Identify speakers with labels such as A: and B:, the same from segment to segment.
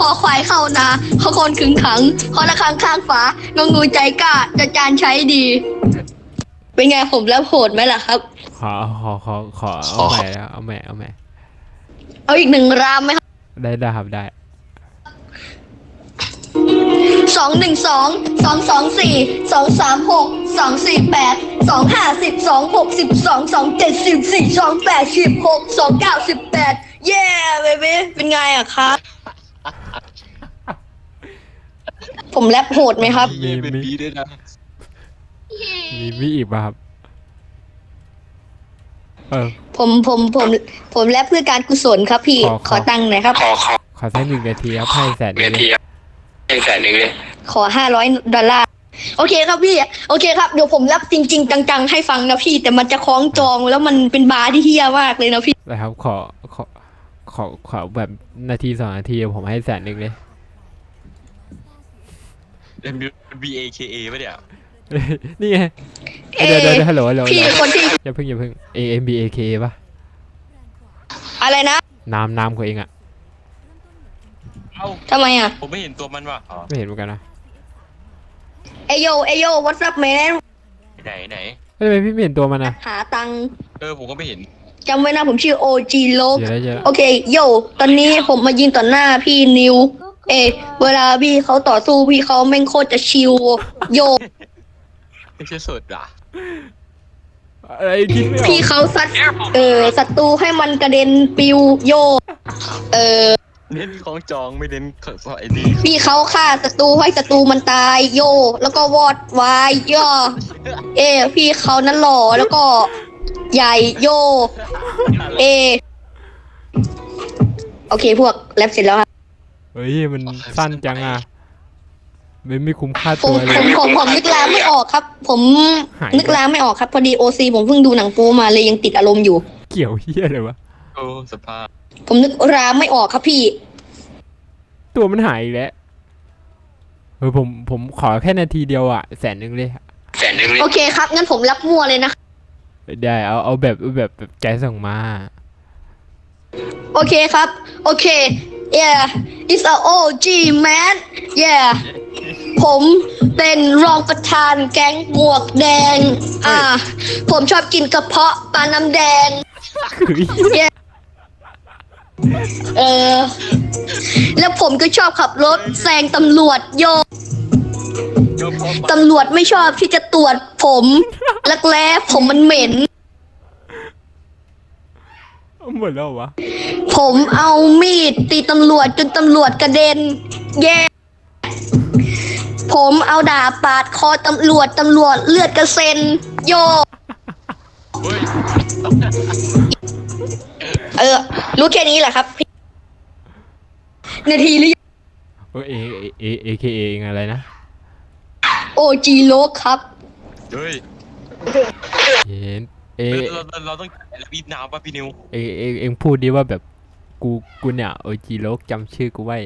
A: อควายเข้านาเขาคนขึงขังเขาละครังข้างฝางงงูใจกล้าจะจานใช้ดี เป็นไงผมแล้วโหดไหมล่ะครับ
B: ขอเอาใหม่แล้วเอาใหม่
A: เอาอีกหนึ่งรามไหมครับ
B: ได้ครับได้
A: 212 224 236 248 250 260 227 14 28 16 29 18เย้เบบี้เป็นไงอะครับ ผมแรปโหดไหมครับ
C: มีเป็นบีด้วยนะ
B: มีอีกป่ะครับ
A: ผมแรปเพื่อการกุศลครับพี่ ขอตังค์หน่อยครับ
B: ขอสัก1 นาทีครับให้100,000เลย
A: ขอ$500โอเคครับพี่ โอเคครับเดี๋ยวผมรับจริงๆจังๆให้ฟังนะพี่ แต่มันจะคล้องจองแล้วมันเป็นบาร์ที่เฮี้ยมากเลยนะพี่
B: นะครับขอแบบ1 นาที 2 นาทีผมให้100,000เลย
C: BAKA ป่ะเนี่ย
B: นี่ไง
A: เอ๊ะ
B: เดี๋ยวฮัลโหล
A: พี่คนที่
B: อย่าเพิ่งAMBAK ป่ะ
A: อะไรนะ
B: นามของเองอะ
C: เอ้า
A: ทำไมอ่ะ
C: ผมไม่เห็นตัวมันว่ะอ๋อ
B: ไม่เห็นเหมือนกันนะ
A: เอโย what's up man
C: ไหน
B: ทำไมพี่ไม่เห็นตัวมันอะ
A: หาตังค์
C: ผมก็ไม่เห็น
A: จำไว้นะผมชื่อ OG โลก
B: เจอแล้ว
A: โอเคโยตอนนี้ผมมายิงต่อหน้าพี่นิว เวลาพี่เขาต่อสู้พี่เขาแม่งโคตรจะชิวโย
C: ไม่ใช่สดอ่ะ
B: อะไรคิดไม่ออก
A: พี่เขาซัดศัตรูให้มันกระเด็นปิวโย
C: เน้นของจองไม่เน้นของไอ้นี่
A: พี่เขาฆ่าศัตรูให้ศัตรูมันตายโย แล้วก็วอดวายย่อพี่เขานั้นหล่อแล้วก็ใหญ่โย โอเคพวกแรปเสร็จแล้วครับ
B: เฮ้ยมันสั้นจังอะไม่คุ้มค่า
A: ผ
B: ตั
A: ม
B: วเลย
A: ผมนึกรามไม่ออกครับ ผม
B: หาย
A: นึกรามไม่ออกครับพอดีOCผมเพิ่งดูหนังโป๊มาเลยยังติดอารมณ์อยู่
B: เกี่ยวเฮียเลยวะ
C: โอ้สภาพ
A: ผมนึกรามไม่ออกครับพี่
B: ตัวมันหายอีกแล้วผมขอแค่นาทีเดียวอะ100,000เลย
A: โอเคครับงั้นผมรับมั่วเลยนะ
B: ได้เอาแบบใจส่งมา
A: โอเคครับ โอเค it's a OG man yeah ผมเป็นรองประธานแก๊งหมวกแดง ผมชอบกินกระเพาะปลาน้ำแดง yeah แล้วผมก็ชอบขับรถแซงตำรวจโย ตำรวจไม่ชอบที่จะตรวจผมรักแร้ผมมันเหม็น
B: หมดแล้ววะ
A: ผมเอามีดตีตำรวจจนตำรวจกระเด็น แย่ ผมเอาดาบปาดคอตำรวจเลือดกระเซ็น โย
C: เฮ้ย
A: รู้แค่นี้แหละครับ นาทีหรือยัง
B: AKA อะไรนะ
A: OG โลกครับ
C: เฮ้ย
B: เห็น
C: เราต้องรีบน้ำป่ะพี่นิว
B: เองพูดดิว่าแบบกูเนี่ยโอจีโลกจำชื่อกูไว้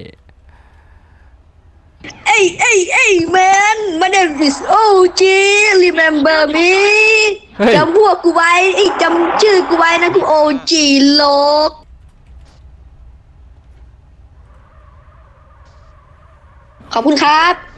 A: Hey man my name is OG remember me
B: เฮ้ย
A: จำพวกกูไว้จำชื่อกูไว้นะกู OG โลกขอบคุณครับ